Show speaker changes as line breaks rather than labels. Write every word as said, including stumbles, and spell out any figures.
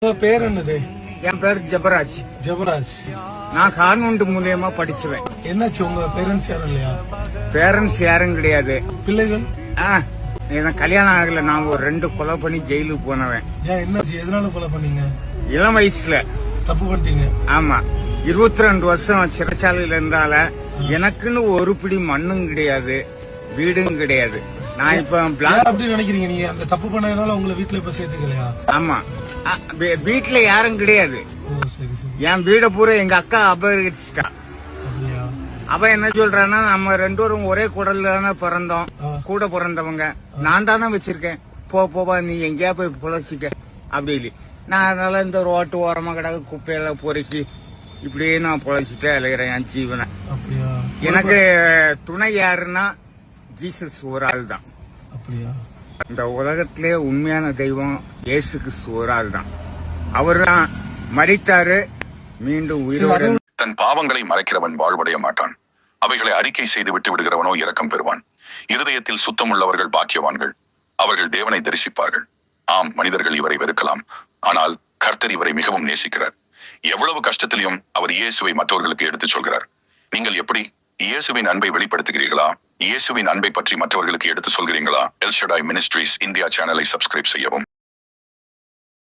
உங்க பேர் என்னது?
என் பேர் ஜபராஜ்.
ஜபராஜ்.
நான் கான்வென்ட் மூலியமா படிச்சுவேன்.
என்னாச்சு, உங்க பேரண்ட்ஸ் யாரும் இல்லையா?
பேரண்ட்ஸ் யாரும் கிடையாது.
பிள்ளைகள்?
ஆ, எனக்கு கல்யாணம் ஆகல. நான் ஒரு ரெண்டு கொலை பண்ணி ஜெயிலுக்கு போனவன்.
ஏன், என்னாச்சு, எதனால கொலை பண்ணீங்க?
இளம் வயசுல
தப்பு பண்ணிட்டீங்க.
ஆமா, இருபத்தி ரெண்டு வருஷம் சிறைச்சாலையில இருந்தால எனக்குன்னு ஒரு பிடி மண்ணும் கிடையாது, வீடும் கிடையாது. நான் இப்ப
பிளாக் அப்படி நினைக்கிறீங்க நீங்க? அந்த தப்பு பண்ணதுனால உங்களை வீட்டுல இப்ப சேர்த்துக்கலையா?
ஆமா, வீட்டுல யாரும் கிடையாது.
ஓ, சரி சரி.
என் வீட பூரா எங்க அக்கா அபகரிச்சுட்டா.
அப்படியா?
அவ என்ன சொல்றான்னா, நம்ம ரெண்டு பேரும் ஒரே குடல்ல தானே பிறந்தோம், கூட பிறந்தவங்க, நான் தானே வச்சிருக்கேன், போ போவா நீ எங்கேயா போய் பொழைச்சிக்க அப்படி இல்லை. நான் அதனால இந்த ரோட்டு ஓரமா கிடக்கு குப்பையில பொறுக்கி இப்படியே நான் பொழைச்சிட்டே அலைகிறேன் என் ஜீவனை.
அப்படியா?
எனக்கு துணை யாருன்னா ஜீசஸ் ஒரு ஆள் தான்.
அப்படியா?
இந்த உலகத்திலே உண்மையான தெய்வம் இயேசு கிறிஸ்து ஒரு ஆள் தான். அவர் தான் மரித்தாரு, மீண்டும் உயிரோடு.
தன் பாவங்களை மறைக்கிறவன் வாழ்வடைய மாட்டான், அவைகளை அறிக்கை செய்து விட்டு விடுகிறவனோ இரக்கம் பெறுவான். இருதயத்தில் சுத்தமுள்ளவர்கள் பாக்கியவான்கள், அவர்கள் தேவனை தரிசிப்பார்கள். ஆம், மனிதர்கள் இவரை வெறுக்கலாம், ஆனால் கர்த்தர் இவரை மிகவும் நேசிக்கிறார். எவ்வளவு கஷ்டத்திலையும் அவர் இயேசுவை மற்றவர்களுக்கு எடுத்துச் சொல்கிறார். நீங்கள் எப்படி இயேசுவின் அன்பை வெளிப்படுத்துகிறீர்களா? இயேசுவின் அன்பை பற்றி மற்றவர்களுக்கு எடுத்து சொல்கிறீங்களா? எல் ஷடாய் மினிஸ்ட்ரீஸ் இந்தியா சேனலை சப்ஸ்கிரைப் செய்யவும்.